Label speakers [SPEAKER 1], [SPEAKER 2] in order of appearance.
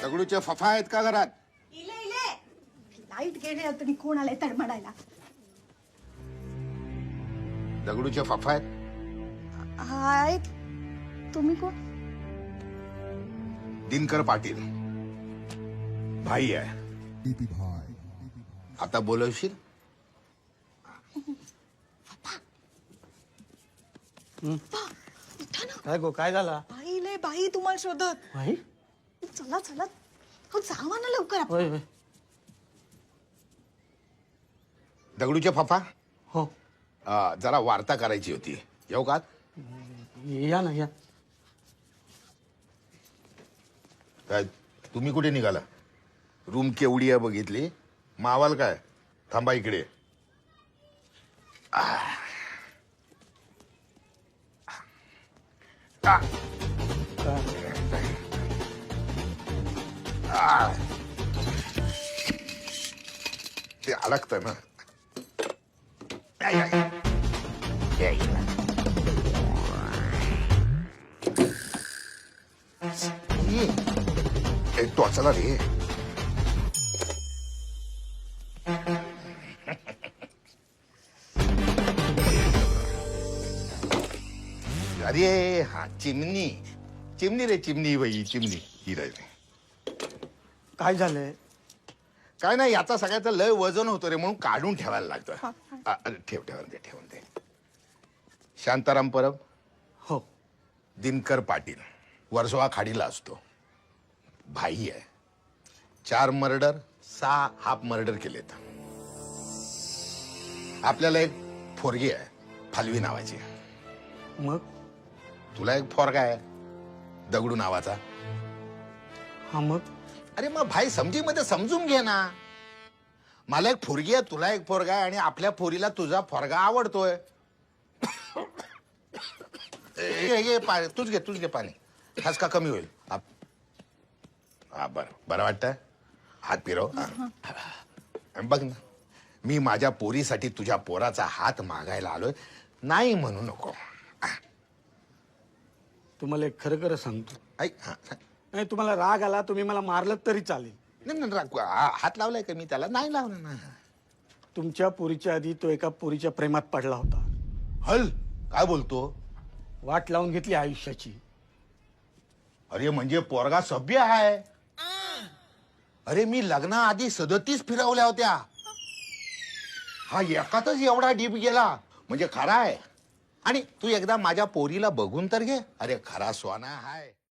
[SPEAKER 1] दगडूचे फफा आहेत का घरात?
[SPEAKER 2] इले इले लाईट गेले तुम्ही कोण आले तडमडायला?
[SPEAKER 1] दगडूचे फफा आहेत?
[SPEAKER 2] हाय तुम्ही कोण?
[SPEAKER 1] दिनकर पाटील भाई आहे. आता बोलवशील?
[SPEAKER 2] उठा ना.
[SPEAKER 3] काय गो काय झाला?
[SPEAKER 2] बाई ले बाई तुम्हाला शोधत.
[SPEAKER 3] भाई
[SPEAKER 2] चला चला हो जावा ना लवकर आपण.
[SPEAKER 3] होय होय
[SPEAKER 1] दगडूचे फफा
[SPEAKER 3] हो
[SPEAKER 1] जरा वार्ता करायची होती, येऊ का?
[SPEAKER 3] या ना या.
[SPEAKER 1] काय तुम्ही कुठे निघाला? रूम केवढी आहे बघितली? मावाल काय? थांबा इकडे. ते अडकत ना. टोचला रे. अरे हा चिमणी चिमणी रे, चिमणी बाई, चिमणी ही रे.
[SPEAKER 3] काय झालंय?
[SPEAKER 1] काय नाही, याचा सगळ्याचं लय वजन होतं रे, म्हणून काढून ठेवायला लागतं. ठेव ठेवून दे ठेवून दे. शांताराम परब,
[SPEAKER 3] हो
[SPEAKER 1] दिनकर पाटील, वर्सोवा खाडीला असतो. भाई आहे. 4 मर्डर 6 हाफ मर्डर केलेत. आपल्याला एक फोरगी आहे फालवी नावाची.
[SPEAKER 3] मग
[SPEAKER 1] तुला एक फोरगा आहे दगडू नावाचा.
[SPEAKER 3] हा मग
[SPEAKER 1] अरे मग भाई समजीमध्ये समजून घे ना. मला एक फोरगी आहे, तुला एक फोरगा आहे, आणि आपल्या फोरीला तुझा फोरगा आवडतोय. तूच घे पाणी. खास कमी होईल. हा बरं वाटतं. हात फिरव. बघ ना, मी माझ्या पोरीसाठी तुझ्या पोराचा हात मागायला आलोय, नाही म्हणू नको.
[SPEAKER 3] तुम्हाला एक खरं खरं सांगतो.
[SPEAKER 1] ऐक.
[SPEAKER 3] नाही तुम्हाला राग आला, तुम्ही मला मारलं तरी चालेल.
[SPEAKER 1] नाही, हात लावलाय का मी त्याला? नाही लावला ना.
[SPEAKER 3] तुमच्या पोरीच्या आधी तो एका पोरीच्या प्रेमात पडला होता.
[SPEAKER 1] हल काय बोलतो?
[SPEAKER 3] वाट लावून घेतली आयुष्याची.
[SPEAKER 1] अरे म्हणजे पोरगा सभ्य आहे. अरे मी लग्नाआधी 37 फिरवल्या होत्या. हा एकातच एवढा डीप गेला म्हणजे खरा आहे. आणि तू एकदा माझ्या पोरीला बघून तर घे. अरे खरा सोना हाय.